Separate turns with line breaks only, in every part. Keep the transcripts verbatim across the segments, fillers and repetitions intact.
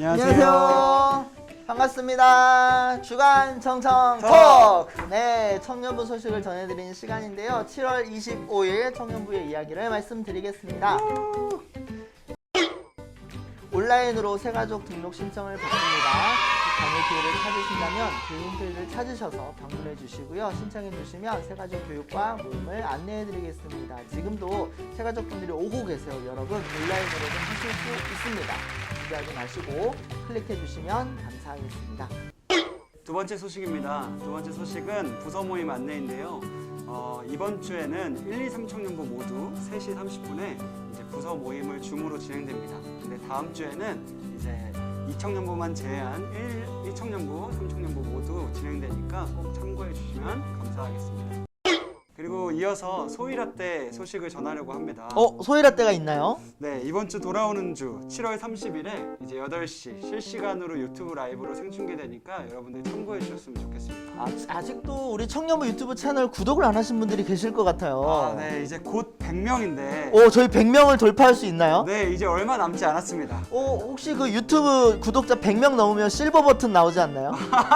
안녕하세요. 반갑습니다. 주간 청청 톡! 네, 청년부 소식을 전해드리는 시간인데요. 칠월 이십오일 청년부의 이야기를 말씀드리겠습니다. 온라인으로 새가족 등록 신청을 받습니다. 자녀 기회를 찾으신다면 교육 홈페이지를 찾으셔서 방문해 주시고요. 신청해 주시면 새가족 교육과 모임을 안내해 드리겠습니다. 지금도 새가족분들이 오고 계세요. 여러분 온라인으로도 하실 수 있습니다. 준비하지 마시고 클릭해 주시면 감사하겠습니다.
두 번째 소식입니다. 두 번째 소식은 부서 모임 안내인데요. 어, 이번 주에는 일, 이, 삼 청년부 모두 세 시 삼십 분에 이제 부서 모임을 줌으로 진행됩니다. 근데 다음 주에는 이제 이 청년부만 제외한 일, 이 청년부, 삼 청년부 모두 진행되니까 꼭 참고해 주시면 감사하겠습니다. 그리고 이어서 소이라떼 소식을 전하려고 합니다.
어? 소이라떼가 있나요?
네, 이번 주 돌아오는 주 칠월 삼십일에 이제 여덟 시 실시간으로 유튜브 라이브로 생중계되니까 여러분들 참고해 주셨으면 좋겠습니다.
아, 아직도 우리 청년부 유튜브 채널 구독을 안 하신 분들이 계실 것 같아요.
아, 네, 이제 곧 백 명인데
오, 저희 백 명을 돌파할 수 있나요?
네, 이제 얼마 남지 않았습니다.
오, 혹시 그 유튜브 구독자 백 명 넘으면 실버 버튼 나오지 않나요?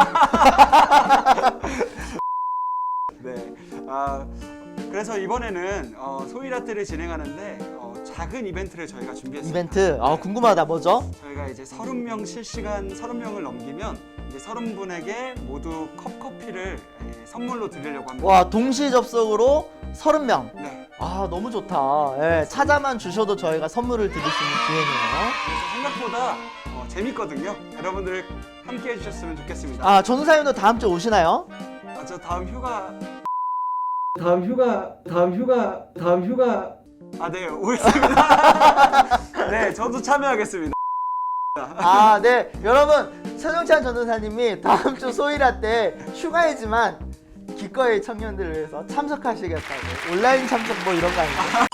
네, 아, 그래서 이번에는 어, 소이라떼를 진행하는데 어, 작은 이벤트를 저희가 준비했습니다.
이벤트? 아, 궁금하다. 뭐죠?
저희가 이제 서른 명 실시간 서른 명을 넘기면 이제 서른 분에게 모두 컵커피를 예, 선물로 드리려고 합니다.
와, 동시 접속으로 서른 명.
네,
아, 너무 좋다. 예, 찾아만 주셔도 저희가 선물을 드릴 수 있는 기회네요.
그래서 생각보다 어, 재밌거든요. 여러분들 함께 해주셨으면 좋겠습니다.
아, 전우사님도 다음 주 오시나요?
아, 저 다음 휴가 다음 휴가 다음 휴가 다음 휴가 아, 네, 오겠습니다. 네, 저도 참여하겠습니다.
아, 네. 여러분, 최정찬 전도사님이 다음 주 소이라떼 휴가이지만 기꺼이 청년들을 위해서 참석하시겠다고. 온라인 참석 뭐 이런 거 아니죠?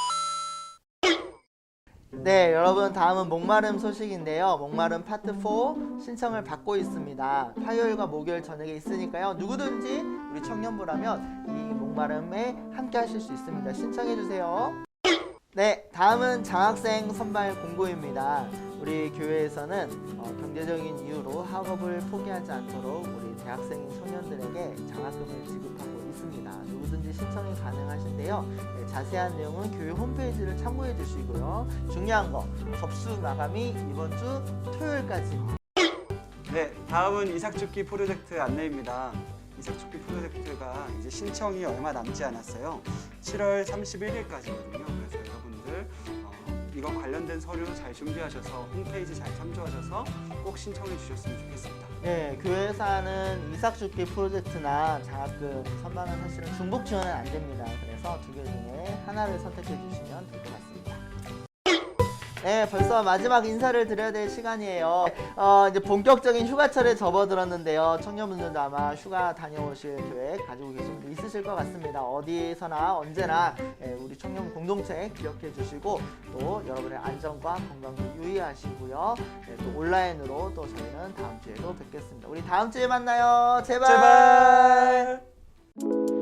네, 여러분 다음은 목마름 소식인데요. 목마름 파트 사 신청을 받고 있습니다. 화요일과 목요일 저녁에 있으니까요. 누구든지 우리 청년부라면 이 목마름에 함께 하실 수 있습니다. 신청해 주세요. 네, 다음은 장학생 선발 공고입니다. 우리 교회에서는 어, 경제적인 이유로 학업을 포기하지 않도록 우리 대학생인 청년들에게 장학금을 지급하고 있습니다. 누구든지 신청이 가능하신데요. 네, 자세한 내용은 교회 홈페이지를 참고해 주시고요. 중요한 거, 접수 마감이 이번 주 토요일까지입니다.
네, 다음은 이삭죽기 프로젝트 안내입니다. 이삭죽기 프로젝트가 이제 신청이 얼마 남지 않았어요. 칠월 삼십일일까지거든요. 그래서 여러분들 어, 이거 관련된 서류 잘 준비하셔서 홈페이지 잘 참조하셔서 꼭 신청해 주셨으면 좋겠습니다.
네, 교회에서 하는 이삭죽기 프로젝트나 장학금 선반은 사실은 중복 지원은 안 됩니다. 그래서 두 개 중에 하나를 선택해 주시면 될 것 같습니다. 네, 벌써 마지막 인사를 드려야 될 시간이에요. 어, 이제 본격적인 휴가철에 접어들었는데요. 청년분들도 아마 휴가 다녀오실 계획 가지고 계신 분 있으실 것 같습니다. 어디서나 언제나 우리 청년 공동체 기억해 주시고 또 여러분의 안전과 건강도 유의하시고요. 네, 또 온라인으로 또 저희는 다음 주에도 뵙겠습니다. 우리 다음 주에 만나요. 제발.
제발.